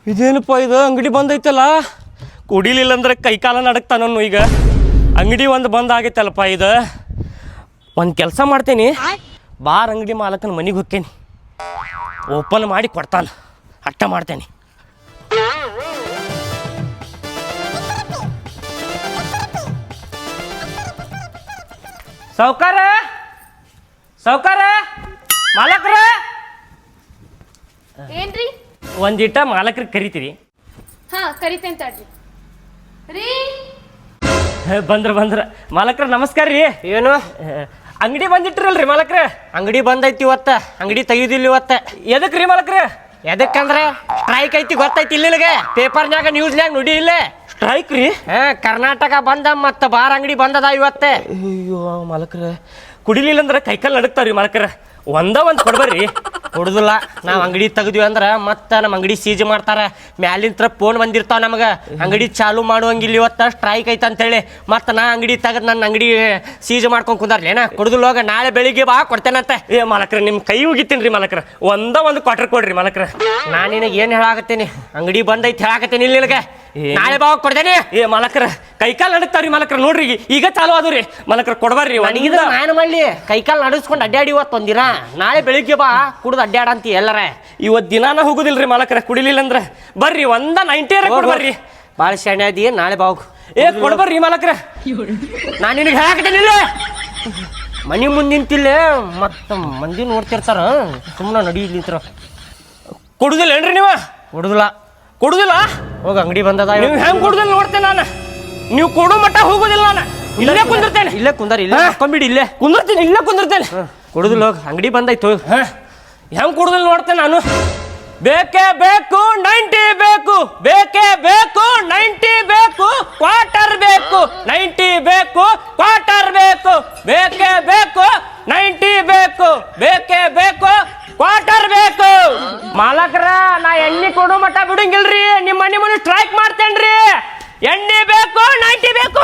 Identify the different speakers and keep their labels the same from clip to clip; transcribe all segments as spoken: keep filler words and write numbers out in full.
Speaker 1: ಇದೇನಪ್ಪ ಇದು ಅಂಗಡಿ ಬಂದೈತಲ್ಲ, ಕುಡಿಲಿಲ್ಲ ಅಂದ್ರೆ ಕೈಕಾಲ ನಡಕ್ತಾನು. ಈಗ ಅಂಗಡಿ ಒಂದು ಬಂದ್ ಆಗೈತಲ್ಲಪ್ಪ. ಇದು ಒಂದು ಕೆಲಸ ಮಾಡ್ತೇನೆ, ಬಾರ್ ಅಂಗಡಿ ಮಾಲಕನ ಮನೆಗೆ ಹೋಗ್ತೇನೆ, ಓಪನ್ ಮಾಡಿ ಕೊಡ್ತಾನೆ, ಅಟ್ಟ ಮಾಡ್ತೇನೆ. ಸೌಕಾರ ಸೌಕಾರ ಮಾಲಕ್ರ
Speaker 2: ಏನ್ರಿ?
Speaker 1: ಒಂದಿಟ ಮಾಲಕ್ರಿಗೆ ಕರಿತೀರಿ?
Speaker 2: ಹಾ ಕರಿತೇನೆ ತಡ್ರಿ. ರೀ
Speaker 1: ಬಂದ್ರ ಬಂದ್ರ ಮಾಲಕ್ರ ನಮಸ್ಕಾರ ರೀ. ಏನು ಅಂಗಡಿ ಬಂದಿಟ್ರಲ್ರಿ ಮಾಲಕ್ರ?
Speaker 3: ಅಂಗಡಿ ಬಂದೈತಿ ಇವತ್ತ, ಅಂಗಡಿ ತೆಗಿದಿಲ್ಲ ಇವತ್ತ.
Speaker 1: ಎದಕ್ ರೀ ಮಾಲಕ್ರ?
Speaker 3: ಎದಕ್ಕಂದ್ರೆ ಸ್ಟ್ರೈಕ್ ಐತಿ, ಗೊತ್ತೈತಿ ಇಲ್ಲ ನಿನಗೆ? ಪೇಪರ್ನ್ಯಾಗ ನ್ಯೂಸ್ನ್ಯಾಗ ನುಡಿ ಇಲ್ಲ
Speaker 1: ಸ್ಟ್ರೈಕ್ ರೀ?
Speaker 3: ಹಾ, ಕರ್ನಾಟಕ ಬಂದ ಮತ್ತ ಬಾರ್ ಅಂಗಡಿ ಬಂದದ ಇವತ್ತೆ.
Speaker 1: ಅಯ್ಯೋ ಮಾಲಕ್ರ, ಕುಡಿಲಿಲ್ಲ ಅಂದ್ರೆ ಕೈಕಾಲು ನಡುಕ್ತಾವ್ರಿ ಮಾಲಕ್ರ. ಒಂದ ಒಂದು ಕೊಡ್ಬರ್ರಿ.
Speaker 3: ಕೊಡುದಿಲ್ಲ, ನಾವು ಅಂಗಡಿ ತೆಗ್ದ್ವಿ ಅಂದ್ರೆ ಮತ್ತೆ ನಮ್ಮ ಅಂಗಡಿ ಸೀಜ್ ಮಾಡ್ತಾರ. ಮ್ಯಾಲಿಂತ್ರ ಫೋನ್ ಬಂದಿರ್ತಾವ ನಮಗೆ, ಅಂಗಡಿ ಚಾಲು ಮಾಡುವಂಗಿಲ್ಲ ಇವತ್ತ, ಸ್ಟ್ರೈಕ್ ಐತೆ ಅಂತೇಳಿ. ಮತ್ತೆ ನಾ ಅಂಗಡಿ ತೆಗೆದು ನನ್ನ ಅಂಗಡಿ ಸೀಜ್ ಮಾಡ್ಕೊಂಡು ಕುಂದಾರ್ಲೇನ? ಕೊಡುದಿಲ್ಲ, ಹೋಗ ನಾಳೆ ಬೆಳಿಗ್ಗೆ ಬಾ ಕೊಡ್ತೇನಂತೆ.
Speaker 1: ಏ ಮಾಲಕ್ರ, ನಿಮ್ಮ ಕೈ ಹೋಗಿತ್ತೀನಿ ರೀ ಮಾಲಕ್ರ. ಒಂದ ಒಂದು ಕ್ವಾರ್ಟರ್ ಕೊಡ್ರಿ ಮಾಲಕ್ರ.
Speaker 3: ನಾನು ನಿನಗೆ ಏನು ಹೇಳಾಕತ್ತೀನಿ, ಅಂಗಡಿ ಬಂದೈತಿ ಹೇಳಾಕತ್ತೀನಿ ಇಲ್ಲ ನಿನಗೆ. ನಾಳೆ ಬಾ ಕೊಡ್ತೇನೆ.
Speaker 1: ಏ ಮಾಲಕ್ರ, ಕೈಕಾಲು ನಡುಕ್ತಾವ್ರಿ ಮಾಲಕ್ರ. ನೋಡ್ರಿ ಈಗ ಚಾಲು ಆದ್ರಿ ಮಾಲಕ್ರ, ಕೊಡ್ಬರ್ರಿ.
Speaker 3: ನನಗಿದ ನಾನು ಮಾಡಲಿ, ಕೈಕಾಲು ನಡೆಸ್ಕೊಂಡು ಅಡ್ಡಾಡಿ ಇವತ್ತು ಒಂದಿನ. ನಾಳೆ ಬೆಳಿಗ್ಗೆ ಬಾ ಕುಡ್ದು ಅಡ್ಡಾಡಂತ ಎಲ್ಲರ.
Speaker 1: ಇವತ್ತು ದಿನಾನ ಹೋಗುದಿಲ್ರಿ ಮಾಲಕ್ರ ಕುಡಿಲಿಲ್ಲ ಅಂದ್ರೆ. ಬರ್ರಿ ಒಂದ ನೈಂಟಿ ಕೊಡ್ಬರ್ರಿ.
Speaker 3: ಭಾಳ ಶಾಣೆ ಅದಿ, ನಾಳೆ ಬಾ ಹೋಗು.
Speaker 1: ಏ ಕೊಡ್ಬರ್ರಿ ಮಾಲಕ್ರ.
Speaker 3: ನಾನು ನಿನಗೆ ಹೇಳಾಕತ್ತೇನಿಲ್ಲ, ಮನೆ ಮುಂದೆ ನಿಂತಿಲ್ಲ ಮತ್ತು ಮಂದಿ ನೋಡ್ತಿರ್ತಾರ, ಸುಮ್ಮನೆ ನಡಿ ನಿಂತರ.
Speaker 1: ಕೊಡುದಿಲ್ಲ ಏನ್ರಿ ನೀವು?
Speaker 3: ಕೊಡುದಿಲ್ಲ
Speaker 1: ಕೊಡುದಿಲ್ಲ?
Speaker 3: ಹೋಗ ಅಂಗಡಿ ಬಂದದ.
Speaker 1: ನೀವು ಹೆಂಗ್ ಕೊಡುದಿಲ್ಲ ನೋಡ್ತೇನೆ ನಾನು. ನೀವು ಕೊಡೋ ಮಟ್ಟ ಹೋಗುದಿಲ್ಲ ನಾನು. ಇಲ್ಲೇ ಕುಂದಿರ್ತೇನೆ.
Speaker 3: ಇಲ್ಲೇ ಕುಂದಾರ, ಇಲ್ಲೇ ಹಾಕೊಂಬಿಡಿ, ಇಲ್ಲೇ
Speaker 1: ಕುಂದಿರ್ತೀನಿ, ಇಲ್ಲೇ ಕುಂದಿರ್ತೇನೆ.
Speaker 3: ಕೊಡುದಿಲ್ಲ, ಹೋಗ ಅಂಗಡಿ ಬಂದಾಯ್ತು.
Speaker 1: ಹ ಹೆಂಗ್ ಕೊಡುದಿಲ್ಲ ನೋಡ್ತೇನೆ ನಾನು. ಬೇಕೇ ಬೇಕು ನೈಂಟಿ ಬೇಕು, ಬೇಕೇ ಬೇಕು ನೈಂಟಿ ಬೇಕು, ಕ್ವಾರ್ಟರ್ ಬೇಕು ನೈಂಟಿ ಬೇಕು, ಕ್ವಾರ್ಟರ್ ಬೇಕು, ಬೇಕೇ ಬೇಕು ನೈಂಟಿ ಬೇಕು, ಬೇಕೇ ಬೇಕು ಕ್ವಾರ್ಟರ್ ಬೇಕು. ಮಾಲಕ್ರ, ನಾ ಎಣ್ಣೆ ಕೊಡೋ ಮಟ್ಟ ಬಿಡಂಗಿಲ್ರಿ. ನಿಮ್ಮ ಮನೆ ಮನೆ ಸ್ಟ್ರೈಕ್ ಮಾಡ್ತೇನ್ರಿ. ಎಣ್ಣೆ ಬೇಕು ನೈಂಟಿ ಬೇಕು.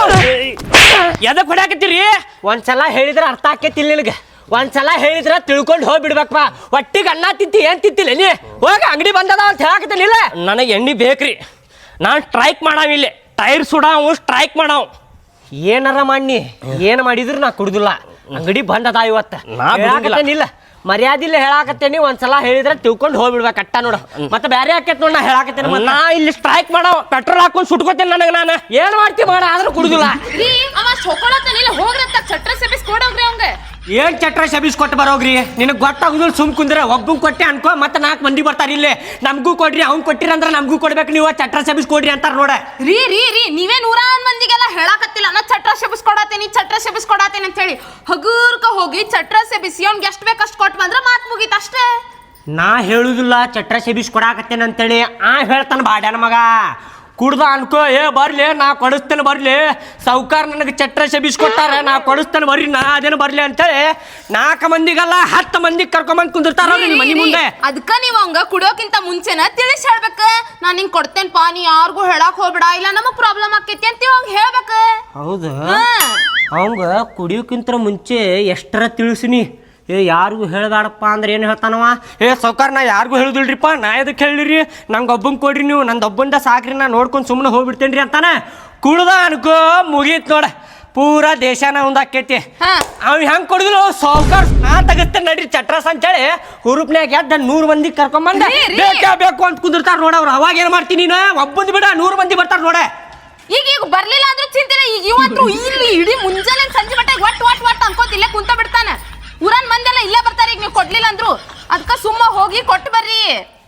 Speaker 1: ಎದಕ್ ಹೊಡ್ಯಾಕತ್ತೀರಿ?
Speaker 3: ಒಂದ್ಸಲ ಹೇಳಿದ್ರೆ ಅರ್ಥ ಆಕೇತಿಲ್ಲ ನಿನಗೆ. ಒಂದ್ಸಲ ಹೇಳಿದ್ರೆ ತಿಳ್ಕೊಂಡು ಹೋಗ್ಬಿಡ್ಬೇಕಪ್ಪ. ಒಟ್ಟಿಗೆ ಅನ್ನ ತಿಂತಿ ಏನ್ ತಿಂತಿಲ್ಲ ನೀ? ಹೋಗ ಅಂಗಡಿ ಬಂದದ ಅಂತ ಹೇಳಾಕತ್ತೀನಿಲ್ಲ.
Speaker 1: ನನಗೆ ಎಣ್ಣೆ ಬೇಕ್ರಿ. ನಾನು ಸ್ಟ್ರೈಕ್ ಮಾಡಾವಿಲ್ಲ, ಟೈರ್ ಸುಡಾವು, ಸ್ಟ್ರೈಕ್ ಮಾಡಾವು.
Speaker 3: ಏನಾರ ಮಾಡಿ ಏನು ಮಾಡಿದ್ರು ನಾ ಕುಡುದಿಲ್ಲ. ಅಂಗಡಿ ಬಂದದ ಇವತ್ತ. ಇಲ್ಲ ಮರ್ಯಾದಿಲ್ಲ ಹೇಳಾಕತ್ತೇನಿ. ಒಂದ್ಸಲ ಹೇಳಿದ್ರೆ ತಿಳ್ಕೊಂಡು ಹೋಗ್ಬಿಡ್ಬೇಕು ಅಟ್ಟ ನೋಡ. ಮತ್ತೆ ಬೇರೆ ಹಾಕೈತ್ ನೋಡ, ನಾ ಹೇಳಾಕತ್ತೇನೆ.
Speaker 1: ನಾ ಇಲ್ಲಿ ಸ್ಟ್ರೈಕ್ ಮಾಡಾವ, ಪೆಟ್ರೋಲ್ ಹಾಕೊಂಡು ಸುಟ್ಕೋತೇನೆ. ನನಗೆ ನಾನು
Speaker 3: ಏನ್ ಮಾಡ್ತಿ ಮಾಡ, ಆದ್ರೂ ಕುಡುದಿಲ್ಲ.
Speaker 2: ರೀ ಅವ ಸೊಕೊಳತ್ತಾನಿಲ್ಲ, ಹೋಗ್ರತ್ತ ಚಟ್ರ ಸೆಬಿಸ್ ಕೊಡೋಗ್ರಿ ಅವಂಗ.
Speaker 3: ಏನ್ ಚಟ್ರ ಶಬೀಸ್ ಕೊಟ್ಟು ಬರೋಗ್ರಿ? ನಿನಗೆ ಗೊತ್ತಾಗುದಿಲ್ಲ, ಸುಮ್ ಕುಂದ್ರೆ ಒಬ್ಬಂಗೆ ಕೊಟ್ಟೆ ಅನ್ಕೋ, ಮತ್ತೆ ನಾಲ್ಕು ಮಂದಿ ಬರ್ತಾರೆ ಇಲ್ಲೇ. ನಮಗೂ ಕೊಡ್ರಿ, ಅವ್ನು ಕೊಟ್ಟಿರ ಅಂದ್ರೆ ನಮಗೂ ಕೊಡ್ಬೇಕು, ನೀವು ಚಟ್ರ ಶಬೀಸ್ ಕೊಡ್ರಿ ಅಂತಾರ ನೋಡ.
Speaker 2: ರೀ ರೀ ರೀ ನೀವೇ ನೂರಾರು ಮಂದಿಗೆಲ್ಲ ಹೇಳಾಕತ್ತಿಲ್ಲ ನಾ ಚಟ್ರ ಸೆಬಿಸ್ ಕೊಡಾತೇನಿ, ಚಟ್ರ ಸೆಬಿಸ್ ಕೊಡಾತೇನಿ ಅಂತ ಹೇಳಿ. ಹಗೂರ್ಕ ಹೋಗಿ ಚಟ್ರ ಸೆಬಿಸಿ ಅವ್ನಿಗೆ ಎಷ್ಟು ಬೇಕು ಅಷ್ಟು ಕೊಟ್ಟು ಬಂದ್ರೆ ಮಾತು ಮುಗೀತು ಅಷ್ಟೇ.
Speaker 3: ನಾ ಹೇಳುದಿಲ್ಲ ಚಟ್ರ ಶಬೀಸ್ ಕೊಡಾಕತ್ತೇನೆ ಅಂತೇಳಿ. ಆ ಹೇಳ್ತಾನೆ ಬಾಡ್ಯಾನ ಮಗ. ಕುಡ್ದ ಅನ್ಕೋ, ಏ ಬರ್ಲಿ ನಾ ಕೊಡಿಸ್ತೇನೆ ಬರ್ಲಿ, ಸೌಕಾರ ನನಗೆ ಚಟ್ರ ಶಬೀಸ್ ಕೊಟ್ಟಾರ, ನಾ ಕೊಡಿಸ್ತೇನೆ ಬರ್ರಿ, ನಾ ಅದೇನು ಬರ್ಲಿ ಅಂತೇಳಿ ನಾಲ್ಕು ಮಂದಿಗಲ್ಲ ಹತ್ತು ಮಂದಿ ಕರ್ಕೊಂಬಂದ್ ಕುಂದಿರ್ತಾರ ಮನಿ ಮುಂದೆ.
Speaker 2: ಅದಕ್ಕ ನೀವು ಅವಂಗ ಕುಡಿಯೋಕ್ಕಿಂತ ಮುಂಚೆನ ತಿಳಿಸಿ ಹೇಳ್ಬೇಕ. ನಾನ್ ಹಿಂಗ್ ಕೊಡ್ತೇನ್ಪಾ, ನೀ ಯಾರಿಗೂ ಹೇಳಕ್ ಹೋಗ್ಬೇಡ, ಇಲ್ಲ ನಮಗ್ ಪ್ರಾಬ್ಲಮ್ ಆಕೈತಿ ಅಂತ ಅವಂಗ ಹೇಳ್ಬೇಕ.
Speaker 3: ಹೌದು, ಅವಂಗ ಕುಡಿಯೋಕ್ಕಿಂತ ಮುಂಚೆ ಎಷ್ಟರ ತಿಳಿಸಿನಿ. ಏ ಯಾರಿಗೂ ಹೇಳ್ದಾಡಪ್ಪ ಅಂದ್ರೆ ಏನು ಹೇಳ್ತಾನವ? ಏ ಸೌಕಾರ ನಾ ಯಾರಿಗೂ ಹೇಳುದಿಲ್ರಿಪ್ಪ, ನಾ ಎದಕ್ಕೆ ಹೇಳಿರಿ, ನಂಗೆ ಒಬ್ಬಂಗೆ ಕೊಡ್ರಿ, ನೀವು ನಂದು ಒಬ್ಬಂದ ಸಾಕ್ರಿ, ನಾ ನೋಡ್ಕೊಂಡು ಸುಮ್ಮನೆ ಹೋಗ್ಬಿಡ್ತೇನೆ ರೀ ಅಂತಾನೆ. ಕುಡ್ದ ಅನ್ಕೋ ಮುಗೀತ್ ನೋಡ, ಪೂರಾ ದೇಶನ ಒಂದಾಕೈತಿ. ಅವ್ ಹೆಂಗ್ ಕೊಡುದಿಲ್ಲ ಸೌಕಾರ, ನಾ ತೆಗಿಸ್ತೇನೆ ನಡ್ರಿ ಚಟ್ರಸ್ ಅಂತೇಳಿ ಹುರುಪ್ನ್ಯಾಗ ಎದ್ದ ನೂರು ಮಂದಿ ಕರ್ಕೊಂಬಂದ ಬೇಕೇ ಬೇಕು ಅಂತ ಕುಂದಿರ್ತಾರ ನೋಡ. ಅವ್ರು ಅವಾಗ ಏನ್ ಮಾಡ್ತೀನಿ ನೀನು? ಒಬ್ಬಂದು ಬಿಡ ನೂರು ಮಂದಿ ಬರ್ತಾರ ನೋಡ.
Speaker 2: ಈಗ ಈಗ ಬರ್ಲಿಲ್ಲ ಅಂದ್ರೆ ಚಿಂತೆ, ಈಗ ಇವತ್ತು ಇಲ್ಲಿ ಇಡೀ ಮುಂಜಾನೆ ಸಂಜೆ ಮಟ್ಟ ಒಟ್ ಒಟ್ ಒಟ್ ಅನ್ಕೋತ ಇಲ್ಲೇ ಕುಂತ ಬಿಡ್ತಾನ. ಊರನ್ ಮಂದೆಲ್ಲ ಇಲ್ಲೇ ಬರ್ತಾರೆ. ಈಗ ನೀವು ಕೊಡ್ಲಿಲ್ಲ ಅಂದ್ರು ಅದಕ್ಕ ಸುಮ್ಮ ಹೋಗಿ ಕೊಟ್ಟು ಬರ್ರಿ.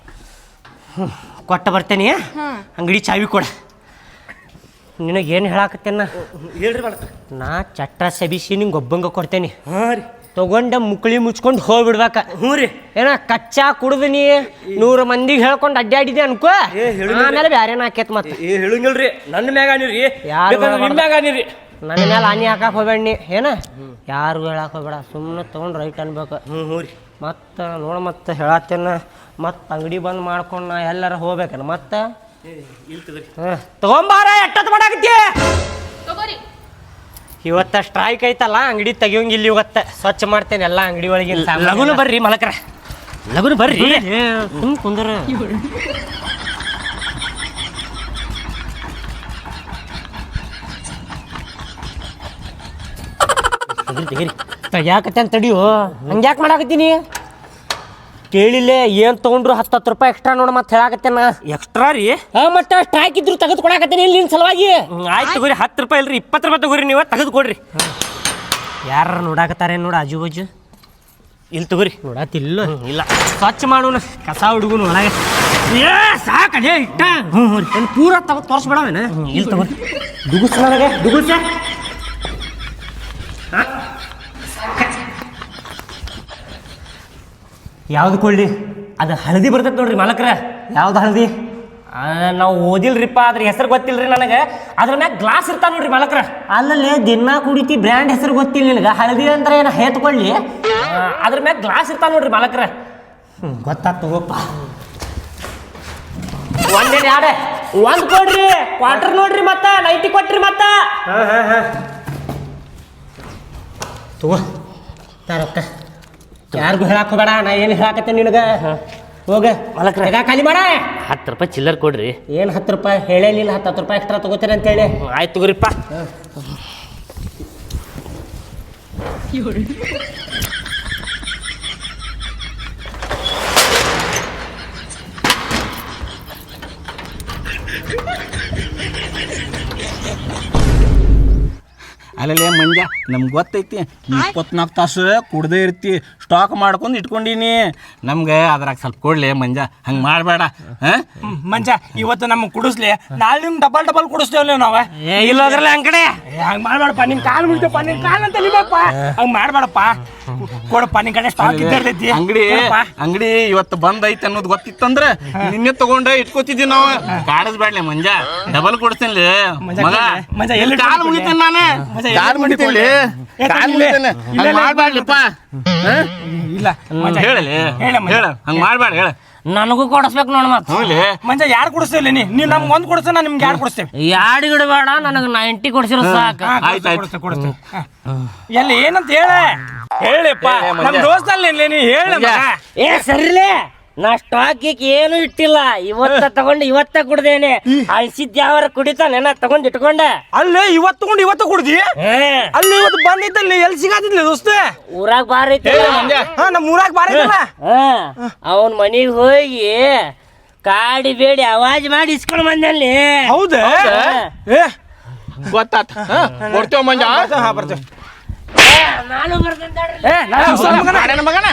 Speaker 3: ಕೊಟ್ಟ ಬರ್ತೇನೆ, ಅಂಗಡಿ ಚಾವಿ ಕೊಡ. ನಿನಗೇನು ಹೇಳಾಕತ್ತೇನ
Speaker 1: ಹೇಳ್ರಿ ಮಾಡ್ತಾರೆ.
Speaker 3: ನಾ ಚಟ್ರ ಸಬಿಸಿ ನಿಂಗೆ ಒಬ್ಬಂಗ ಕೊಡ್ತೇನೆ.
Speaker 1: ಹಾಂ ರೀ,
Speaker 3: ತಗೊಂಡ ಮುಕ್ಳಿ ಮುಚ್ಕೊಂಡು ಹೋಗ್ಬಿಡ್ಬೇಕ.
Speaker 1: ಹ್ಞೂ ರೀ.
Speaker 3: ಏನ ಕಚ್ಚಾ ಕುಡ್ದು ನೀ ನೂರು ಮಂದಿಗೆ ಹೇಳ್ಕೊಂಡು ಅಡ್ಡಾಡಿದೆ ಅನ್ಕೋ, ಆಮೇಲೆ ಬ್ಯಾರೇನ ಹಾಕೇತ್. ಮತ್ತೆ
Speaker 1: ಏ ಹೇಳಂಗಿಲ್ರಿ, ನನ್ನ ಮ್ಯಾಗ ಅನಿರಿ, ನಿಮ್ಮ ಮ್ಯಾಗ ಅನಿರಿ.
Speaker 3: ನನ್ನ ಮೇಲೆ ಹಾನಿ ಹಾಕಕ್ಕೆ ಹೋಗ್ಬೇಡ ನೀ. ಏನ ಯಾರಿಗೂ ಹೇಳಕ್ಕೆ ಹೋಗ್ಬೇಡ, ಸುಮ್ಮನೆ ತೊಗೊಂಡು ರೈಟ್ ಅನ್ಬೇಕು.
Speaker 1: ಹ್ಞೂ ಹ್ಞೂ ರೀ.
Speaker 3: ಮತ್ತು ನೋಡು, ಮತ್ತೆ ಹೇಳತ್ತೇನ, ಮತ್ತೆ ಅಂಗಡಿ ಬಂದ್ ಮಾಡ್ಕೊಂಡು ನಾ ಎಲ್ಲಾರ ಹೋಗ್ಬೇಕನ ಮತ್ತೆ. ಹಾಂ ತಗೊಂಬಾರ, ಎಷ್ಟೊತ್ತು ಮಾಡಾಕತ್ತಿ? ಇವತ್ತ ಸ್ಟ್ರೈಕ್ ಐತಲ್ಲ, ಅಂಗಡಿ ತೆಗಿಯೋಂಗಿಲ್ಲ ಇವತ್ತು. ಸ್ವಚ್ಛ ಮಾಡ್ತೇನೆ ಎಲ್ಲ ಅಂಗಡಿ ಒಳಗೆ.
Speaker 1: ಲಗುನು ಬರ್ರಿ ಮಲಕ್ರ, ಲಗುನು ಬರ್ರಿ.
Speaker 3: ಸುಮ್ ಕುಂದ್ರ ತೆಗಿರಿ ತೆಗಿರಿ ತೆಗ್ಯಾಕತ್ತೆ ಅಂತ ತಡಿಯೋ ಹಂಗ್ಯಾಕೆ ಮಾಡಾಕತ್ತೀನಿ ಕೇಳಿಲ್ಲ ಏನು ತೊಗೊಂಡ್ರು ಹತ್ತು ಹತ್ತು ರೂಪಾಯಿ ಎಕ್ಸ್ಟ್ರಾ ನೋಡು ಮತ್ತೆ ಹೇಳಾಕತ್ತೆ ನಾ
Speaker 1: ಎಕ್ಸ್ಟ್ರಾ ರೀ
Speaker 3: ಹಾಂ ಮತ್ತೆ ಸ್ಟ್ರೈಕ್ ಇದ್ರು ತೆಗೆದು ಕೊಡಾಕತ್ತೀನಿ ಇಲ್ಲಿ ನಿನ್ನ ಸಲುವಾಗಿ
Speaker 1: ಆಯ್ತು ತಗೋರಿ ಹತ್ತು ರೂಪಾಯಿ ಇಲ್ರಿ ಇಪ್ಪತ್ತು ರೂಪಾಯಿ ತಗೋರಿ ನೀವು ತೆಗೆದು ಕೊಡ್ರಿ
Speaker 3: ಯಾರು ನೋಡಾಕತ್ತಾರೆ ನೋಡು ಆಜು ಬಾಜು
Speaker 1: ಇಲ್ಲಿ ತಗೋರಿ
Speaker 3: ನೋಡತ್ತಿಲ್ಲ
Speaker 1: ಇಲ್ಲ
Speaker 3: ಸ್ವಚ್ಛ ಮಾಡೋಣ ಕಸ ಹುಡುಗನು ಒಳಗೆ ಏ ಸಾಕಡೆ ಇಟ್ಟ ಹ್ಞೂ ಹ್ಞೂ ಪೂರ ತಗೋ ತೋರಿಸ್ಬೇಡವೇನ
Speaker 1: ಇಲ್ಲಿ ತಗೋರಿ
Speaker 3: ದುಗುಸ್ ನನಗೆ ದುಗುಸ ಯಾವ್ದು ಕೊಳ್ಳಿ ಅದು ಹಳದಿ ಬರ್ತೈತೆ ನೋಡ್ರಿ ಮಾಲಕ್ರ ಯಾವ್ದು ಹಳದಿ ನಾವು ಓದಿಲ್ರಿಪ್ಪ ಅದ್ರ ಹೆಸರು ಗೊತ್ತಿಲ್ರಿ ನನಗೆ ಅದ್ರ ಮ್ಯಾಗ ಗ್ಲಾಸ್ ಇರ್ತಾವ ನೋಡ್ರಿ ಮಾಲಕ್ರ ಅಲ್ಲಲ್ಲಿ ದಿನ ಕುಡಿತಿ ಬ್ರ್ಯಾಂಡ್ ಹೆಸರು ಗೊತ್ತಿಲ್ಲ ನಿನಗೆ ಹಳದಿ ಅಂದ್ರೆ ಏನು ಹೇತ್ಕೊಳ್ಳಿ ಅದ್ರ ಮ್ಯಾಗ ಗ್ಲಾಸ್ ಇರ್ತಾವ ನೋಡ್ರಿ ಮಾಲಕ್ರ ಹ್ಞೂ ಗೊತ್ತಾಗ್ತು ತಗೋಪ್ಪ ಒಂದೇನು ಯಾಡೆ ಒಂದು ಕೊಡ್ರಿ ಕ್ವಾರ್ಟರ್ ನೋಡ್ರಿ ಮತ್ತ ನೈಂಟಿ ಕೊಟ್ರಿ ಮತ್ತ ಹಾಂ ಹಾಂ ಹಾಂ ತಗೋ ತಾರಕ್ಕ ಯಾರಿಗೂ ಹೇಳಕ್ ಹೋಗಬೇಡ ನಾ ಏನು ಹೇಳಾಕತ್ತೆ ನಿನಗೆ ಹೋಗ ಮಲಕ್ರ ಈಗ ಖಾಲಿ ಮಾಡ
Speaker 1: ಹತ್ತು ರೂಪಾಯಿ ಚಿಲ್ಲರ್ ಕೊಡ್ರಿ
Speaker 3: ಏನು ಹತ್ತು ರೂಪಾಯಿ ಹೇಳೇನಿಲ್ಲ ಹತ್ತು ಹತ್ತು ರೂಪಾಯಿ ಎಕ್ಸ್ಟ್ರಾ ತಗೋತೀರ ಅಂತೇಳಿ
Speaker 1: ಆಯ್ತು ತಗೋರಿಪ್ಪ
Speaker 4: ಅಲ್ಲೇ ಮಂಜ ನಮ್ಗೆ ಗೊತ್ತೈತಿ ಇಪ್ಪತ್ನಾಲ್ಕು ತಾಸು ಕುಡ್ದೇ ಇರ್ತಿ ಸ್ಟಾಕ್ ಮಾಡ್ಕೊಂಡು ಇಟ್ಕೊಂಡೀನಿ ನಮ್ಗೆ ಅದ್ರಾಗ ಸ್ವಲ್ಪ ಕೊಡ್ಲಿ ಮಂಜ ಹಂಗೆ ಮಾಡಬೇಡ ಹಾಂ
Speaker 5: ಮಂಜ ಇವತ್ತು ನಮ್ಗೆ ಕುಡಿಸ್ಲಿ ನಾಳೆ ನಿಮ್ಗೆ ಡಬಲ್ ಡಬಲ್ ಕುಡಿಸ್ತೇವಲ್ಲ ನಾವು
Speaker 1: ಏ ಇಲ್ಲ ಅದ್ರಲ್ಲ ಹಂಗ್ ಕಡೆ
Speaker 5: ಹಂಗೆ ಮಾಡಬೇಡಪ್ಪ ನಿನ್ ಕಾಲು ಬಿಡ್ತಪ್ಪ ನಿನ್ ಕಾಲು ಅಂತ ನಿಮ್ಮಪ್ಪ ಹಂಗೆ ಮಾಡಬೇಡಪ್ಪ ಕೊಡಪ್ಪ ನಿನ್ ಕಡೆ ಸ್ಟಾಕ್ ಇದ್ದೈತಿ
Speaker 4: ಅಂಗಡಿ ಅಂಗಡಿ ಇವತ್ತು ಬಂದ್ ಐತಿ ಅನ್ನೋದು ಗೊತ್ತಿತ್ತಂದ್ರ ನಿನ್ನೆ ತಗೊಂಡ ಇಟ್ಕೋತಿದ್ವಿ ನಾವು ಕಾಡಿಸ್ಬೇಡ್ಲಿ ಮಂಜ ಡಬಲ್ ಕೊಡ್ತೇನೆ ಮಗ
Speaker 5: ಮಂಜ ಎಲ್ಲಿ
Speaker 4: ಕಾಲು ಮುಗಿತೇನೆ ನಾನು ಕಾಲು ಮುಗಿತೇನೆ ಕಾಲು ಮುಗಿತೇನೆ ಹಂಗೆ ಮಾಡ್ಬೇಡ್ಲಿಪ್ಪ
Speaker 5: ಇಲ್ಲ
Speaker 4: ಹೇಳಲಿ ಹೇಳ ಹಂಗೆ ಮಾಡ್ಬೇಡ ಹೇಳ
Speaker 1: ನನಗೂ ಕೊಡಿಸ್ಬೇಕು ನೋಡ ಮತ್ತೆ
Speaker 4: ಹ್ಞೂ
Speaker 5: ಮಂಜ ಯಾರು ಕೊಡಿಸ್ತೇವೆ ನೀ ನೀವು ನಮ್ಗೆ ಒಂದು ಕೊಡಿಸ್ತೇವೆ ನಾನು ನಿಮ್ಗೆ ಯಾರು ಕೊಡಿಸ್ತೇವೆ
Speaker 1: ಎರಡು ಗಿಡ ಬೇಡ ನನಗೆ ನೈಂಟಿ ಕೊಡ್ಸಿರೋ ಸಾಕು
Speaker 4: ಆಯ್ತು ಆಯ್ತು
Speaker 5: ಕೊಡಿಸ್ತೇವೆ ಕೊಡಿಸ್ತೇವೆ ಎಲ್ಲಿ ಏನಂತ ಹೇಳ ಹೇಳಿಪ್ಪ ನಮ್ಮ ದೋಸ್ತಲ್ಲಿ ನೀ ಹೇಳ
Speaker 1: ಏ ಸರಿಲೇ ನಾ ಸ್ಟಾಕ್ ಏನು ಇಟ್ಟಿಲ್ಲ ಇವತ್ತ ತಗೊಂಡು ಇವತ್ತ ಕುಡ್ದೇನೆ ಅಳ್ಸಿದ್ ಯಾವಾರ ಕುಡಿತಾನೆ ನಾ ತಗೊಂಡ್ ಇಟ್ಕೊಂಡೆ
Speaker 5: ಅಲ್ಲೇ ಇವತ್ತು ತಗೊಂಡು ಇವತ್ತು ಕುಡ್ದಿ ಅಲ್ಲಿ ಇವತ್ತು ಬಂದಿತ್ತಲ್ಲಿ ಎಲ್ಲಿ ಸಿಗಾತಿದ್ಲಿ ದೋಸ್ತ
Speaker 1: ಊರಾಗ ಬಾರ ಐತಿ
Speaker 5: ಹಾ ನಮ್ಮ ಊರಾಗ ಬಾರಿಲ್ಲ
Speaker 1: ಅವನ್ ಮನಿಗ್ ಹೋಗಿ ಕಾಡಿ ಬೇಡಿ ಅವಾಜ್ ಮಾಡಿ ಇಸ್ಕೊಂಡ್ ಬಂದಲ್ಲಿ
Speaker 5: ಹೌದಾ ಏ
Speaker 4: ಗೊತ್ತಾತ ಕೊಡ್ತೇವ ಮಂಜ
Speaker 5: ಹಾ ಬರ್ತೇವೆ
Speaker 1: ನಾನು ಬರ್ತೇನೆ
Speaker 5: ಏ ನಾನು ಮಗನ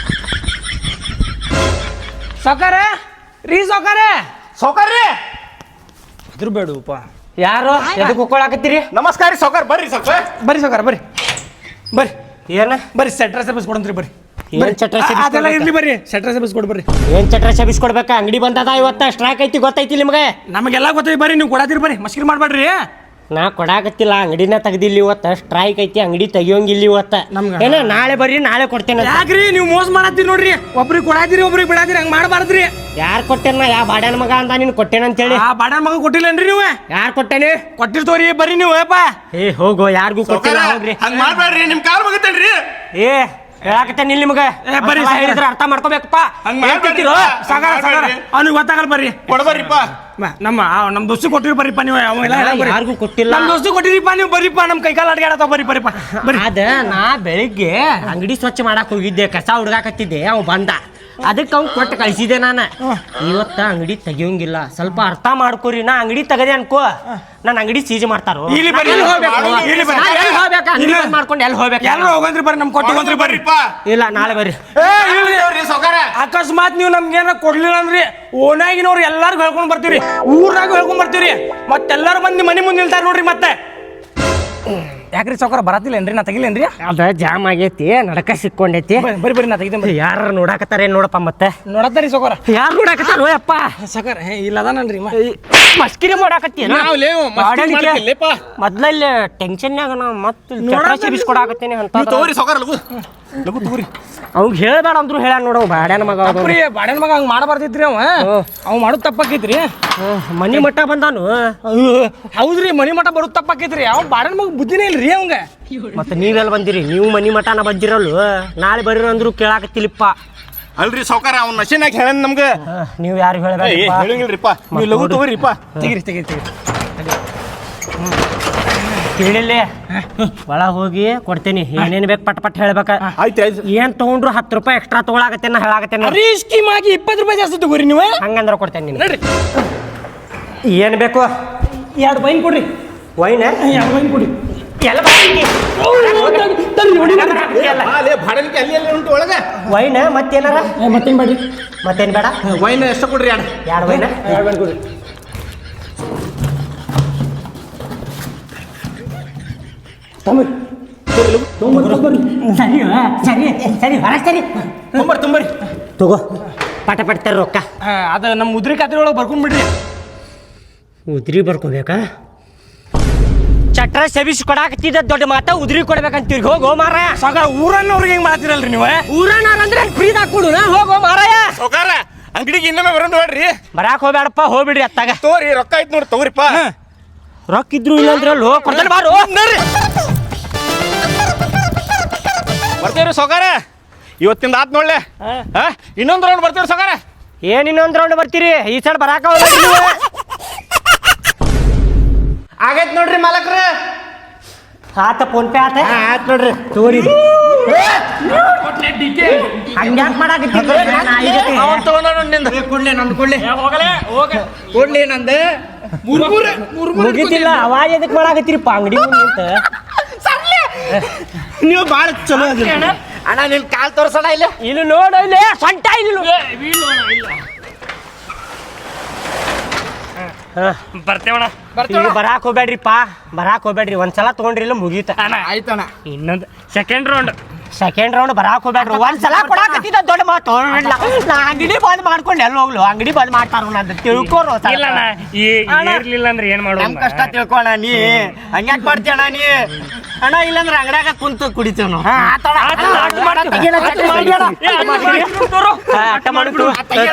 Speaker 5: ಸೌಕರ್ಯ ರೀ ಸೌಕರ್ಯ ಸೌಕರ್ಯ ಅದ್ರ ಬೇಡಪ್ಪ
Speaker 3: ಯಾರು ಎದಕ್ಕೆ ಹೋಗ್ಕೊಳಕತ್ತೀರಿ
Speaker 4: ನಮಸ್ಕಾರ ರೀ ಸೌಕರ್ ಬರ್ರಿ ಸೌಕರ್
Speaker 5: ಬರ್ರಿ ಸೌಕರ್ಯ ಬರ್ರಿ ಬರ್ರಿ
Speaker 3: ಏನ
Speaker 5: ಬರ್ರಿ ಸೆಟ್ರ ಸರ್ವಿಸ್ ಕೊಡಂತ್ರಿ ಬರ್ರಿ
Speaker 3: ಏನ್ ಚಟ್ರ
Speaker 5: ಅದೆಲ್ಲ ಇರ್ಲಿ ಬರ್ರಿ ಸೆಟ್ರ ಸರ್ವಿಸ್ ಕೊಡ್ ಬರ್ರಿ
Speaker 3: ಏನ್ ಚಟ್ರ ಸಬಿಸ್ ಕೊಡ್ಬೇಕಾ ಅಂಗಡಿ ಬಂದದ ಇವತ್ತ ಸ್ಟ್ರೈಕ್ ಐತಿ ಗೊತ್ತೈತಿ ನಿಮ್ಗೆ
Speaker 5: ನಮಗೆಲ್ಲ ಗೊತ್ತೈತಿ ಬರ್ರಿ ನೀವು ಕೊಡಾತಿರಿ ಬರ್ರಿ ಮಸ್ಕಿರಿ ಮಾಡ್ಬೇಡ್ರಿ
Speaker 3: ನಾ ಕೊಡಾಕತ್ತಿಲ್ಲ ಅಂಗಡಿನ ತೆಗ್ದಿಲ್ಲ ಇವತ್ತ ಸ್ಟ್ರೈಕ್ ಐತಿ ಅಂಗಡಿ ತೆಗಿಯೋಂಗಿಲ್ಲ ಇವತ್ತ
Speaker 5: ನಮ್ಗ-
Speaker 3: ಏನ ನಾಳೆ ಬರ್ರಿ ನಾಳೆ ಕೊಡ್ತೇನೆ
Speaker 5: ಯಾಕ್ರಿ ನೀವು ಮೋಸ ಮಾಡತ್ತೀರಿ ನೋಡ್ರಿ ಒಬ್ರಿಗೆ ಕೊಡಾತಿರಿ ಒಬ್ರಿಗೆ ಬಿಡಾತಿರಿ ಹಂಗ ಮಾಡಬಾರ್ದ್ರಿ
Speaker 3: ಯಾರು ಕೊಟ್ಟೇನ ಯಾ ಬಾಡ್ಯಾನ ಮಗ ಅಂದ ನೀನು ಕೊಟ್ಟೇನ ಅಂತೇಳಿ
Speaker 5: ಆ ಬಾಡ ಮಗ ಕೊಟ್ಟಿಲ್ಲನ್ರಿ ನೀವು
Speaker 3: ಯಾರು ಕೊಟ್ಟೇನೆ
Speaker 5: ಕೊಟ್ಟಿರ್ತವ್ರಿ ಬರ್ರಿ ನೀವು ಏಪ್ಪ
Speaker 3: ಏ ಹೋಗೋ ಯಾರಿಗೂ ಕೊಟ್ಟಿಲ್ಲ ಹೋಗ್ರಿ
Speaker 4: ಹಂಗೆ ಮಾಡ್ಬೇಡ್ರಿ ನಿಮ್ಮ ಕಾಲು ಮುಗಿತೇನ್ರಿ
Speaker 3: ಏ ಹೇಳಾಕತ್ತೇನೆ ಇಲ್ಲಿ ನಿಮ್ಗೆ
Speaker 5: ಏ, ಬರ್ರಿ
Speaker 3: ಅಸಲ ಹೇಳಿದ್ರೆ ಅರ್ಥ ಮಾಡ್ಕೋಬೇಕಪ್ಪ
Speaker 4: ಹಂಗ್ ಮಾಡ್ಬೇಡ್ರಿ.
Speaker 5: ಸಾಗಾರ ಸಾಗಾರ ಅವ್ನಿಗೆ ಗೊತ್ತಾಗಲ್ಲ ಬರ್ರಿ
Speaker 4: ಕೊಡ್ಬರ್ರಿಪ್ಪ
Speaker 5: ಬಾ, ನಮ್ಮ ಆ, ನಮ್ಮ ದೋಸ್ತಿ ಕೊಟ್ಟಿರಿ ಬರ್ರಿಪ್ಪ ನೀವು ಅವೆಲ್ಲ ಹೇಳಕ್ ಬರ್ರಿ.
Speaker 3: ಯಾರಿಗೂ ಕೊಟ್ಟಿಲ್ಲ
Speaker 5: ನಮ್ಮ ದೋಸ್ತಿ ಕೊಟ್ಟಿರಿಪ್ಪ ನೀವು ಬರ್ರಿಪ್ಪ ನಮ್ಮ ಕೈಕಾಲ ಅಡ್ಗಾಡತಾವ ಬರ್ರಿ ಬರ್ರಿಪ್ಪ ಬರ್ರಿ
Speaker 3: ಅದ ನಾ ಬೆಳಿಗ್ಗೆ ಅಂಗಡಿ ಸ್ವಚ್ಛ ಮಾಡಕ್ ಹೋಗಿದ್ದೆ ಕಸ ಹುಡ್ಗಾಕತ್ತಿದ್ದೆ ಅವ್ ಬಂದ ಅದಕ್ಕೆ ಅವ್ನು ಕೊಟ್ಟು ಕಳ್ಸಿದೆ ನಾನು ಇವತ್ತ ಅಂಗಡಿ ತೆಗಿಯೋಂಗಿಲ್ಲ ಸ್ವಲ್ಪ ಅರ್ಥ ಮಾಡ್ಕೊರಿ ನಾ ಅಂಗಡಿ ತೆಗದೆ ಅನ್ಕೋ ನನ್ನ ಅಂಗಡಿ ಸೀಜ್ ಮಾಡ್ತಾರೋ
Speaker 5: ಇಲ್ಲಿ ಬರ್ರಿ,
Speaker 3: ಎಲ್ಲಿ ಹೋಗ್ಬೇಕು?
Speaker 5: ಇಲ್ಲಿ ಬರ್ರಿ.
Speaker 3: ನಾ ಎಲ್ಲಿ ಹೋಗ್ಬೇಕು? ಅಂಗಡಿ ಬಂದ್ ಮಾಡ್ಕೊಂಡು ಎಲ್ಲಿ ಹೋಗ್ಬೇಕು
Speaker 5: ಎಲ್ಲರೂ ಹೋಗಂದ್ರಿ ಬರ್ರಿ ನಮ್ ಕೊಟ್ಟಿವಂತ್ರಿ ಬರ್ರಿ
Speaker 3: ಇಲ್ಲ ನಾಳೆ ಬರ್ರಿ
Speaker 5: ಏ, ಇಲ್ರಿ. ಅಕಸ್ಮಾತ್ ನೀವು ನಮ್ಗೆ ಏನಾರ ಕೊಡ್ಲಿಲ್ಲ ಅಂದ್ರಿ ಓನಾಗಿನವ್ರು ಎಲ್ಲಾರ್ಗು ಹೇಳ್ಕೊಂಡ್ ಬರ್ತೀವ್ರಿ ಊರ್ನಾಗ ಹೇಳ್ಕೊಂಡ್ ಬರ್ತೀವ್ರಿ ಮತ್ತೆಲ್ಲಾರು ಮಂದಿ ಮನಿ ಮುಂದೆ ನಿಲ್ತಾರ ನೋಡ್ರಿ ಮತ್ತೆ ಯಾಕ್ರಿ ಸೌಕರ ಬರತ್ತಿಲ್ಲೇನ್ರಿ ನಾ ತೆಗಿಲೇನ್ರಿ
Speaker 3: ಅದ ಜಾಮ್ ಆಗೈತಿ ನಡಕ ಸಿಕ್ಕೊಂಡೈತಿ
Speaker 5: ಬರ್ರಿ ಬರ್ರಿ ಬರ್ರಿ ನಾ ತೆಗಿತೇನೆ ಬರ್ರಿ
Speaker 3: ಯಾರು ನೋಡಾಕತ್ತಾರ ಏನ್ ನೋಡಪ್ಪ ಮತ್ತೆ
Speaker 5: ನೋಡತ್ತಾರಿ ಸೌಕರ
Speaker 3: ಯಾರು ನೋಡಾಕತ್ತಾರ ಅಪ್ಪ
Speaker 5: ಸೌಕರ ಇಲ್ಲ ಅದಾನಲ್ರಿ ಮ
Speaker 3: ಮಸ್ಕಿರಿ ಮಾಡಾಕತ್ತೀನ
Speaker 4: ನಾವ್ ಲೇವು, ಮಸ್ಕಿರಿ ಮಾಡ್ತಿಲ್ಲೇಪ್ಪ.
Speaker 3: ಮೊದ್ಲಲ್ಲಿ ಟೆನ್ಷನ್ಯಾಗ ನಾ ಮತ್ತೆ ಬಿಸ್ಕೊಡಾಕತ್ತೀನಿ ಅಂತ
Speaker 4: ತಗೋರಿ ಸೌಕರ್ ಲಗು ಲಗು ತಗೋರಿ
Speaker 3: ಅವ್ಗ ಹೇಳ್ಬೇಡ ಅಂದ್ರು ಹೇಳ ನೋಡ ಬ್ಯಾಡ್ಯಾನ ಮಗ ಅವ್ನು.
Speaker 5: ಪ್ರಿಯ ಬಾಡನ್ ಮಗ ಹಂಗ ಮಾಡಬಾರ್ದಿತ್ರಿ ಅವ ಅವ್ ಮಾಡೋದ್ ತಪ್ಪಾಕೈತ್ರಿ
Speaker 3: ಹ್ಮ್, ಮನಿ ಮಟ್ಟ ಬಂದಾನು
Speaker 5: ಅಯ್ಯೋ, ಹೌದ್ರಿ ಮನಿ ಮಠ ಬರೋದ್ ತಪ್ಪಾಕೈತ್ರಿ ಅವ್ ಬಾಡನ್ ಮಗ ಬುದ್ಧಿನೇ ಇಲ್ರಿ ಅವಂಗ
Speaker 3: ಮತ್ತೆ ನೀವೆಲ್ಲ ಬಂದಿರಿ ನೀವು ಮನಿ ಮಠನ ಬಂದಿರಲ್ವ ನಾಳೆ ಬರ್ರಿ ಅಂದ್ರು ಕೇಳಾಕತ್ತಿಲಿಪ್ಪ
Speaker 4: ಅಲ್ರಿ ಸೌಕರ್ ಅವ್ನ ಮಷೀನಾಗ ಹೇಳ ನಮ್ಗೆ
Speaker 3: ನೀವು ಯಾರು ಹೇಳ್ಬೇಡ
Speaker 4: ಹೇಳಂಗಿಲ್ರಿಪ್ಪ ನೀವು ಲಗು ತಗೋರಿಪ್ಪ
Speaker 5: ತೆಗಿರಿ ತೆಗಿರಿ ತೆಗಿರಿ
Speaker 3: ಕೇಳಿಲ್ಲ ಒಳ ಹೋಗಿ ಕೊಡ್ತೇನಿ ಏನೇನ್ ಬೇಕು ಪಟ್ ಪಟ್ ಹೇಳ್ಬೇಕ
Speaker 4: ಆಯ್ತು ಆಯ್ತು
Speaker 3: ಏನ್ ತಗೊಂಡ್ರು ಹತ್ತು ರೂಪಾಯಿ ಎಕ್ಸ್ಟ್ರಾ ತಗೊಳಕತ್ತೇನ ಹೇಳಾಕತ್ತೇನ
Speaker 5: ರೀ ಸ್ಕೀಮ್ ಆಗಿ ಇಪ್ಪತ್ತು ರೂಪಾಯಿ ಜಾಸ್ತಿ ತಗೋರಿ ನೀವು
Speaker 3: ಹಂಗಂದ್ರ ಕೊಡ್ತೇನೆ ನೀನು
Speaker 5: ನಡ್ರಿ
Speaker 3: ಏನ್ ಬೇಕು
Speaker 5: ಎರಡು ವೈನ್ ಕೊಡ್ರಿ
Speaker 3: ವೈನ್
Speaker 5: ಎರಡು ವೈನ್ ಕೊಡಿ
Speaker 3: ಎಲ್ಲ
Speaker 4: ಭಾಡಲಿಕ್ಕೆ ಅಲ್ಲಿ ಅಲ್ಲಿ ಉಂಟು ಒಳಗೆ
Speaker 3: ವೈನ್ ಮತ್ತೇನಾರ
Speaker 5: ಮತ್ತೇನು ಬೇಡ್ರಿ
Speaker 3: ಮತ್ತೇನ್ ಬೇಡ
Speaker 4: ವೈನ್ ಎಷ್ಟು ಕೊಡ್ರಿ ಎರಡು
Speaker 3: ಎರಡು ವೈನ್
Speaker 5: ಎರಡು ವೈನ್ ಕೊಡ್ರಿ ತಮ್ಮ
Speaker 3: ಸರಿ ಸರಿ ಸರಿ ಹೊರ ಸರಿ
Speaker 5: ತುಂಬರಿ ತುಂಬರಿ
Speaker 3: ತಗೋ ಪಟ ಪಟ್ತಾರ ರೊಕ್ಕ
Speaker 5: ಅದು ನಮ್ಮ ಮುದ್ರಿ ಖಾತ್ರಿ ಒಳಗೆ ಬರ್ಕೊಂಡ್ಬಿಡ್ರಿ
Speaker 3: ಉದ್ರಿ ಬರ್ಕೋಬೇಕಾ ಚಟ್ರ ಸೆಬಿಸ್ ಕೊಡಾಕತ್ತಿದ್ದ ದೊಡ್ಡ ಮಾತ ಉದ್ರಿ ಕೊಡ್ಬೇಕಂತೀರಿ ಹೋಗೋ ಮಾರಾಯ
Speaker 5: ಸಾಕಾರ ಊರನ್ನವ್ರಿಗೆ ಹೆಂಗ್ ಮಾಡ್ತೀರಲ್ರಿ ನೀವು
Speaker 3: ಊರನಾರ ಅಂದ್ರೆ ಫ್ರೀದಾಗ ಕೊಡುನ ಹೋಗೋ ಮಾರಾಯ
Speaker 4: ಸೌಕಾರ ಅಂಗಡಿಗೆ ಇನ್ನೊಮ್ಮೆ ಬರೋಣ ನೋಡ್ರಿ
Speaker 3: ಬರಾಕ್ ಹೋಗ್ಬೇಡಪ್ಪ ಹೋಗ್ಬಿಡ್ರಿ ಅತ್ತಾಗ
Speaker 4: ತೋರಿ ರೊಕ್ಕ ಐತ್ ನೋಡಿ ತಗೋರಿಪ್ಪ
Speaker 3: ರೊಕ್ಕ ಇದ್ರು ಇಲ್ಲ ಅಂದ್ರೆ ಅಲ್ಲಿ ಹೋಗಿ ಕೊಡ್ತಾನೆ ಬಾರು
Speaker 4: ಬರ್ತೀವ್ರಿ ಸೌಕಾರ ಇವತ್ತಿಂದ ಆತ್ ನೋಡ್ಲೆ ಹಾ ಇನ್ನೊಂದು ರೌಂಡ್ ಬರ್ತೀವ್ರಿ ಸೌಕಾರ
Speaker 3: ಏನ್ ಇನ್ನೊಂದ್ ರೌಂಡ್ ಬರ್ತೀರಿ ಈ ಸೈಡ್ ಬರಾಕ ಹೋಗ್ಬೇಡ್ರಿ ನೀವು.
Speaker 4: ಆಗೈತ್ ನೋಡ್ರಿ ಮಾಲಕ್ರ
Speaker 3: ಆತ ಫೋನ್ ಪೇ ಆತ
Speaker 4: ಆಯ್ತು ನೋಡ್ರಿ
Speaker 3: ತೋರಿ ಹಂಗ್ಯಾಕ್ ಮಾಡಾಕತ್ತೀರಿ
Speaker 4: ಅವನ್ ತಗೊಂಡ ನಿಂದ
Speaker 3: ಕೊಡ್ಲಿ ನಂದು ಕೊಡ್ಲಿ
Speaker 5: ಹೋಗಲೇ ಹೋಗ
Speaker 3: ಕೊಡ್ಲಿ ನಂದು
Speaker 5: ಮುರ್ಮುರ್ ಮುರ್ಮುರ್
Speaker 3: ಮುಗಿತಿಲ್ಲ ಅವಾಜ್ ಎದಕ್ ಮಾಡಾಕತ್ತೀರಿಪ್ಪ ಅಂಗಡಿ ಮುಂದೆ
Speaker 4: ನೀವು ಭಾಳ ಚಲೋ ಅದ್ರಿ ಅಣ್ಣ ನಿನ್ ಕಾಲ್ ತೋರ್ಸೋಣ ಇಲ್ಲ
Speaker 3: ಇಲ್ಲಿ ನೋಡು ಇಲ್ಲಿ ಸೊಂಟ ಇಲ್ಲಿ
Speaker 1: ಬರ್ತೇವಣ
Speaker 3: ಈಗ ಬರಾಕ್ ಹೋಗ್ಬೇಡ್ರಿಪ್ಪ ಬರಾಕ್ ಹೋಗ್ಬೇಡ್ರಿ ಒಂದ್ಸಲ ತಗೊಂಡ್ರಿ ಇಲ್ಲ ಮುಗೀತ
Speaker 4: ಆಯ್ತಣ್ಣ
Speaker 1: ಇನ್ನೊಂದು ಸೆಕೆಂಡ್ ರೌಂಡ್
Speaker 3: ಸೆಕೆಂಡ್ ರೌಂಡ್ ಬರಾಕ್ ಹೋಗ್ಬೇಡ್ರಿ ಒಂದ್ಸಲ ಕೊಡಾಕತ್ತಿದ್ದ ದೊಡ್ಡ ಮಾತು ನಾ ಅಂಗಡಿ ಬಂದ್ ಮಾಡ್ಕೊಂಡು ಎಲ್ಲಿ ಹೋಗ್ಲು ಅಂಗಡಿ ಬಂದ್ ಮಾಡ್ತಾರ ನಂದು ತಿಳ್ಕೋರು
Speaker 1: ಇಲ್ಲಣ್ಣ ಈ ಇರ್ಲಿಲ್ಲ ಅಂದ್ರೆ ಏನ್ ಮಾಡೋದು
Speaker 3: ನಮ್ ಕಷ್ಟ ತಿಳ್ಕೋಣ ನೀ ಹಂಗ್ಯಾಕ್ ಮಾಡ್ತೀಯಣ್ಣ ನೀ ಅಣ್ಣ ಇಲ್ಲಂದ್ರೆ ಅಂಗಡ್ಯಾಗ ಕುಂತು ಕುಡಿತೇವ್ ನಾವು ಅಟ್ಟ ಮಾಡ್ಬಿಡು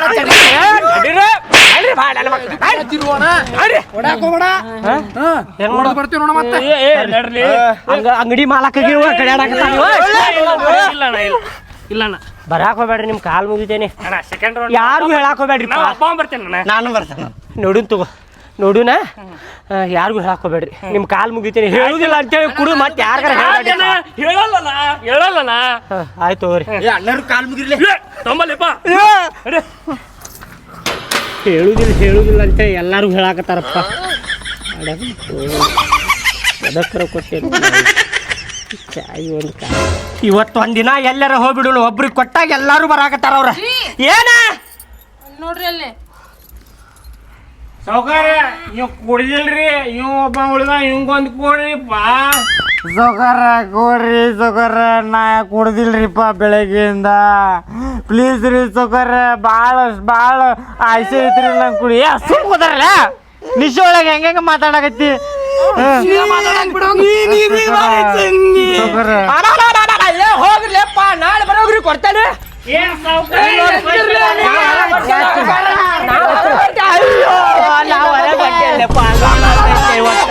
Speaker 3: ಅಂಗಡಿ ಮಾಲಕ್ಕಾಗಿ
Speaker 1: ಇಲ್ಲಣ್ಣ ಇಲ್ಲಣ್ಣ
Speaker 3: ಬರಾಕ್ ಹೋಗ್ಬೇಡ್ರಿ ನಿಮ್ ಕಾಲ್ ಮುಗಿತೇನೆ
Speaker 1: ಅಣ್ಣ ಸೆಕೆಂಡ್ ರೌಂಡ್
Speaker 3: ಯಾರು ಹೇಳಾಕ್ ಹೋಗ್ಬೇಡ್ರಿ
Speaker 1: ನಾವು ಅಪ್ಪ ಬರ್ತೇನೆ ಅಣ್ಣ
Speaker 3: ನಾನು ಬರ್ತೇನೆ ನೋಡುನ್ ತಗೋ ನೋಡುನ ಯಾರಿಗೂ ಹೇಳಾಕ್ ಹೋಗ್ಬೇಡ್ರಿ ನಿಮ್ ಕಾಲ್ ಮುಗಿತೇನೆ ಹೇಳುದಿಲ್ಲ ಅಂತೇಳಿ ಕುಡು ಮತ್ತೆ ಯಾರಿಗಾರ
Speaker 1: ಹೇಳಲ್ಲಣ್ಣ ಹೇಳಲ್ಲಣ್ಣ
Speaker 3: ಆಯ್ತು ತಗೋರಿ
Speaker 4: ಅಣ್ಣರು ಕಾಲ್ ಮುಗಿರ್ಲಿ
Speaker 1: ತೊಂಬಲ್ಲಪ್ಪ
Speaker 3: ಹೇಳುದಿಲ್ಲ ಹೇಳುದಿಲ್ಲ ಅಂತೇಳಿ ಎಲ್ಲಾರು ಹೇಳಾಕತ್ತಾರಪ್ಪ ಅದಕ್ಕರ ಕೊಟ್ಟೇನು ಚಾಯ್ ಒಂದು ಕಾ ಇವತ್ತು ಒಂದಿನ ಎಲ್ಲಾರ ಹೋಗ್ಬಿಡು ಒಬ್ರಿಗೆ ಕೊಟ್ಟಾಗ ಎಲ್ಲಾರು ಬರಾಕತ್ತಾರ ಅವ್ರ ಏನ
Speaker 2: ನೋಡ್ರಿ ಅಲ್ಲಿ
Speaker 5: ಸೌಕಾರ ಇವ್ ಕುಡಿದಿಲ್ರಿ ಇವ್ ಒಬ್ಬ ಉಳಿದ ಇವಂಗೊಂದು ಕೊಡ್ರಿಪ್ಪ
Speaker 6: ಸೊಕರ ಕೊಡ್ರಿ ಸೊಕರ ನಾ ಕುಡ್ದಿಲ್ರಿಪ್ಪ ಬೆಳಗ್ಗೆಯಿಂದ ಪ್ಲೀಸ್ ರೀ ಸೊಕರ ಭಾಳ ಭಾಳ ಆಸೆ ಐತ್ರಿ ನಂಗೆ ಕುಡಿ ಏ ಸುಮ್ ಕೂತಾರಲ್ಲ ನಿಶೆ ಒಳಗೆ ಹೆಂಗ ಮಾತಾಡಕತ್ತಿ
Speaker 3: ಹೋಗ್ರಿಪ್ಪ ನಾಳೆ ಬರೋಗ್ರಿ ಕೊಡ್ತೇನೆ
Speaker 1: ಏನ್ ಸಾವ್ಕಾರ
Speaker 3: ನಾವು ಹೊರಗೆ